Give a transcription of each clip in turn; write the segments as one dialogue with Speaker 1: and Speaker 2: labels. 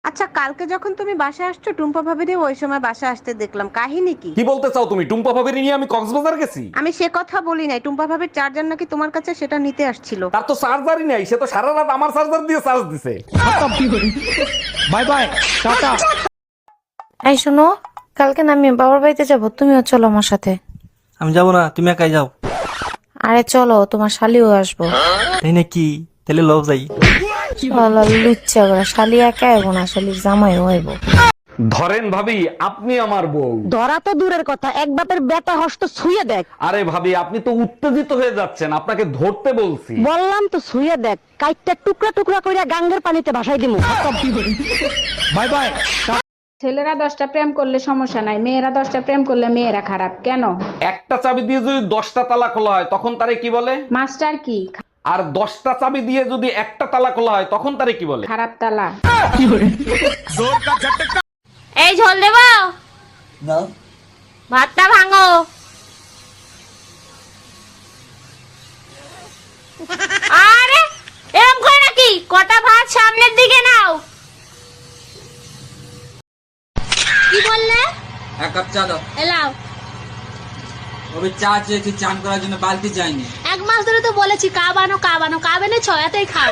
Speaker 1: আচ্ছা, কালকে যখন তুমি বাসায় আসছো টুম্পা ভাবিরে ওই সময় বাসায় আসতে দেখলাম, কাহিনী কি?
Speaker 2: কি বলতে চাও তুমি? টুম্পা ভাবিরি নিয়ে আমি কক্সবাজার গেছি?
Speaker 1: আমি সে কথা বলি নাই, টুম্পা ভাবির চার্জার নাকি তোমার কাছে, সেটা নিতে আসছিল।
Speaker 2: তার তো চার্জারই নাই, সে তো সারা রাত আমার চার্জার দিয়ে চার্জ দিছে।
Speaker 3: Bye bye, tata.
Speaker 4: এই শোনো, কালকে না আমি বাবার বাড়িতে যাব, তুমিও চলো আমার সাথে।
Speaker 3: আমি যাবো না, তুমি একাই যাও।
Speaker 4: আরে চলো, তোমার শালিও আসবো।
Speaker 3: তাই নাকি? তাহলে লব যাই।
Speaker 4: লুচ্চা করে শালি একা আইবো না, শালির জামাইও আইবো।
Speaker 2: ধরেন ভাবি, আপনি আমার বউ।
Speaker 1: ধরা তো দূরের কথা, এক বাপের বেটা হস্ত ছুঁয়ে দেখ।
Speaker 2: আরে ভাবি, আপনি তো উত্তেজিত হয়ে যাচ্ছেন, আপনাকে ধরতে বলছি।
Speaker 1: বললাম তো ছুঁয়ে দেখ, কাইটটা টুকরা টুকরা কইরা গাঙ্গের পানিতে ভাসাই দিমু।
Speaker 3: Bye bye.
Speaker 5: ছেলেরা 10টা প্রেম করলে সমস্যা নাই, মেয়েরা 10টা প্রেম করলে মেয়েরা খারাপ কেন?
Speaker 2: একটা চাবি দিয়ে যদি 10টা তালা খোলা হয় তখন তারে কি বলে?
Speaker 5: মাস্টার কি?
Speaker 2: আর 10টা চাবি দিয়ে যদি একটা তালা খোলা হয় তখন তারে কি বলে?
Speaker 5: খারাপ তালা।
Speaker 4: এই ঝোল দেবো, ভাতটা ভাঙো। আরে এরকম করে নাকি? কটা ভাত সামনের দিকে নাও। কি বললে?
Speaker 6: এক কাপ চা দাও।
Speaker 4: এলাও।
Speaker 6: তবে চা চেয়েছি, চান করার জন্য বালতি যায়নি।
Speaker 4: এক মাস ধরে তো বলেছি কা বানো কা বানো, কা বেনে ছয়াতেই খাও।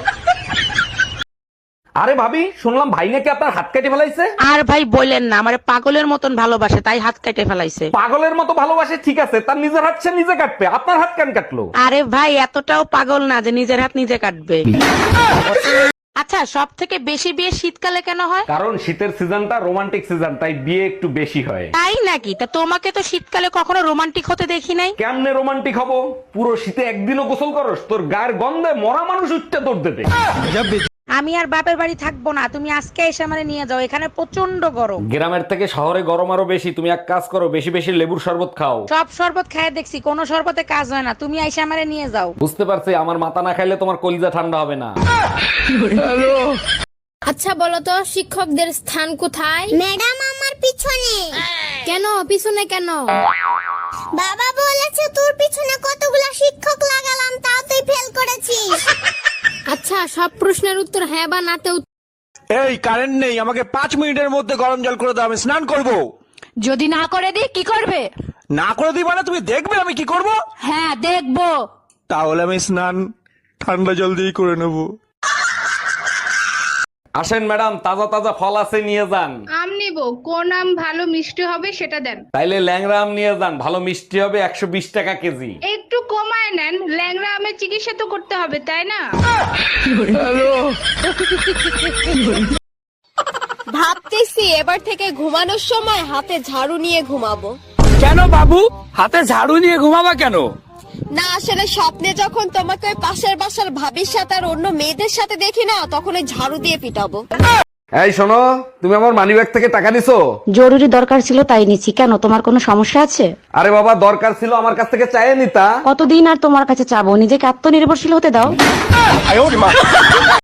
Speaker 2: আরে ভাবি, শুনলাম ভাই নাকি আপনার হাত কেটে ফেলাইছে।
Speaker 7: আর ভাই বললেন না, আমার পাগলের মতন ভালোবাসে তাই হাত কেটে ফেলাইছে।
Speaker 2: পাগলের মতো ভালোবাসে ঠিক আছে, তার নিজের হাত সে নিজে কাটবে, আপনার হাত কেন কাটলো?
Speaker 7: আরে ভাই এতটাও পাগল না যে নিজের হাত নিজে কাটবে। আচ্ছা, সব থেকে বেশি বিয়ে শীতকালে কেন হয়?
Speaker 2: কারণ শীতের সিজনটা রোমান্টিক সিজন, তাই বিয়ে একটু বেশি হয়।
Speaker 7: তাই নাকি? তা তোমাকে তো শীতকালে কখনো রোমান্টিক হতে দেখি নাই।
Speaker 2: কেমনে রোমান্টিক হবো? পুরো শীতে একদিনও গোসল করস? তোর গায়ের গন্ধে মরা মানুষ উঠতে দৌড় দেবে।
Speaker 7: আমি আর বাপের বাড়ি থাকবো না, তুমি আজকে এসে আমারে নিয়ে যাও, এখানে প্রচন্ড গরম।
Speaker 2: গ্রামের থেকে শহরে গরম আরো বেশি। তুমি এক কাজ করো, বেশি বেশি লেবুর শরবত খাও।
Speaker 7: সব শরবত খায় দেখছি, কোনো শরবতে কাজ হয় না, তুমি এসে আমারে নিয়ে যাও।
Speaker 2: বুঝতে পারছি, আমার মাথা না খাইলে তোমার কলিজা ঠান্ডা হবে না।
Speaker 8: আচ্ছা বলো তো, শিক্ষকদের স্থান কোথায়?
Speaker 9: ম্যাডাম আমার পিছনে।
Speaker 8: কেন পিছনে কেন?
Speaker 9: বাবা বলেছে তোর পিছনে কতগুলা শিক্ষক লাগালাম, তাও তুই ফেল করেছিস।
Speaker 8: আচ্ছা, সব প্রশ্নের উত্তর হ্যাঁ বা নাতে
Speaker 3: এই কারেন্ট নেই, আমাকে 5 মিনিটের মধ্যে গরম জল করে দাও, আমি স্নান করব।
Speaker 8: যদি না করে দিই কি করবে?
Speaker 3: না করে দিই মানে তুমি দেখবে আমি কি করব?
Speaker 8: হ্যাঁ দেখবো।
Speaker 3: তাহলে আমি স্নান ঠান্ডা জল দিয়ে করে নেব।
Speaker 2: আসেন ম্যাডাম, তাজা তাজা ফল আছে, নিয়ে যান।
Speaker 5: আম নিব, কোন আম ভালো মিষ্টি হবে সেটা দেন।
Speaker 2: তাইলে ল্যাংড়া আম নিয়ে যান, ভালো মিষ্টি হবে, 120 টাকা কেজি।
Speaker 5: একটু কমায় নেন, ল্যাংড়া আমের চিকিৎসা তো করতে হবে তাই না?
Speaker 8: ভাবতেছি এবার থেকে ঘুমানোর সময় হাতে ঝাড়ু নিয়ে ঘুমাবো।
Speaker 3: কেন বাবু, হাতে ঝাড়ু নিয়ে ঘুমাবা কেন?
Speaker 8: না আসলে স্বপ্নে যখন তোমাকে ওই পাশের বাসার ভাবির সাথে আর অন্য মেয়েদের সাথে দেখি না, তখন ওই ঝাড়ু দিয়ে পিটাবো।
Speaker 2: এই শোনো, তুমি আমার মানিব্যাগ থেকে টাকা নিছো?
Speaker 1: জরুরি দরকার ছিল তাই নিচ্ছি, কেন তোমার কোনো সমস্যা আছে?
Speaker 2: আরে বাবা, দরকার ছিল আমার কাছ থেকে চাইয়ে নিতা।
Speaker 1: কতদিন আর তোমার কাছে চাবো, নিজেকে আত্মনির্ভরশীল হতে দাও।